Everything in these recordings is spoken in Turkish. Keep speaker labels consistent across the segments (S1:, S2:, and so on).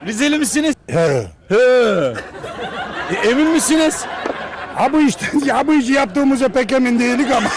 S1: Rizeli misiniz?
S2: He.
S1: He. Emin misiniz?
S2: Ha bu işte, ya bu işi yaptığımıza pek emin değilik ama.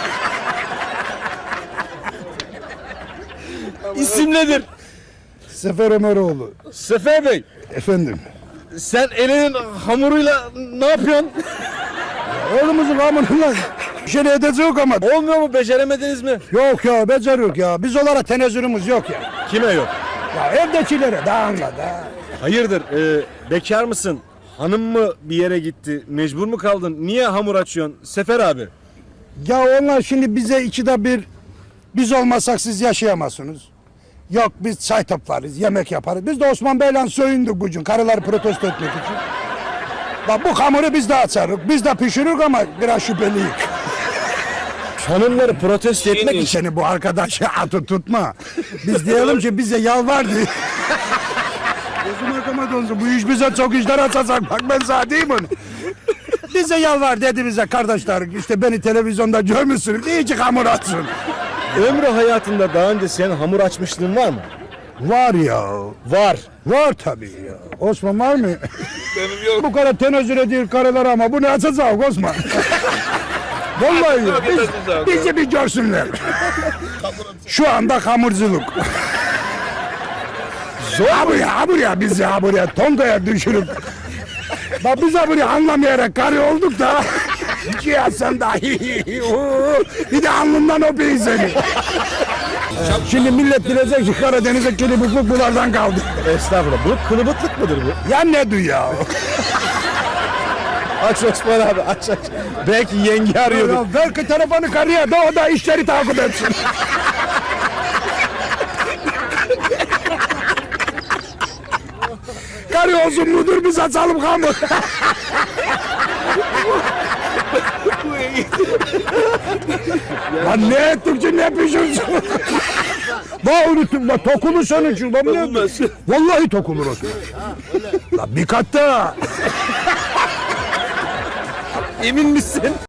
S1: İsim nedir?
S2: Sefer Ömeroğlu.
S1: Sefer Bey,
S2: Efendim.
S1: sen elinin hamuruyla ne yapıyorsun?
S2: Oğlumuzun hamuruyla bir şey edecek ama.
S1: Olmuyor mu? Beceremediniz mi?
S2: Yok ya, beceriyoruz ya. Biz olarak tenezzülümüz yok ya.
S1: Kime yok?
S2: Ya evdekilere daha anla da.
S1: Hayırdır? Bekar mısın? Hanım mı bir yere gitti? Mecbur mu kaldın? Niye hamur açıyorsun? Sefer abi.
S2: Ya onlar şimdi bize ikide bir biz olmasak siz yaşayamazsınız. Yok biz çay toplarız, yemek yaparız. Biz de Osman Bey'le soyunduk bugün karıları protesto etmek için. Bak bu hamuru biz de açarız, biz de pişiririz ama biraz şüpheliyiz.
S1: Hanımları protesto etmek için.
S2: Seni bu arkadaşı atı tutma. Biz diyelim ki bize yalvar diye. Gözüm arkama donsun. Bu iş bize çok işler açacak. Bak ben sana diyeyim onu. Bize yalvar dedi bize kardeşler. İşte beni televizyonda görmüşsün. İyice hamur atsın.
S1: Ömrü hayatında daha önce senin hamur açmışlığın var mı?
S2: Var ya.
S1: Var.
S2: Var tabii ya. Osman var mı? Benim yok. Bu kadar tenezzül ediyor karılar ama bu ne açacak Osman? Vallahi ya. Bizi bir görsünler. Şu anda hamurculuk. Buraya biz ya buraya Tonga'ya düşürüp bak biz buraya anlamayarak karı olduk da ya sen dahi bir de alnından öpeyim seni. Şimdi millet bilecek ki Karadeniz'e kılıbıklık bunlardan kaldı.
S1: Estağfurullah. Bu kılıbıklık mıdır bu?
S2: Ya ne du ya?
S1: Aç Osman abi aç. Belki yenge arıyordu.
S2: Ya ver ki telefonu karıya da o da işleri takip etsin. Karı olsun mudur biz açalım hamur. Lan ne ettik ki ne pişirsin? Bak unuttum bak tokulur senin için. Vallahi tokulur olsun. Lan bir kat daha.
S1: Emin misin?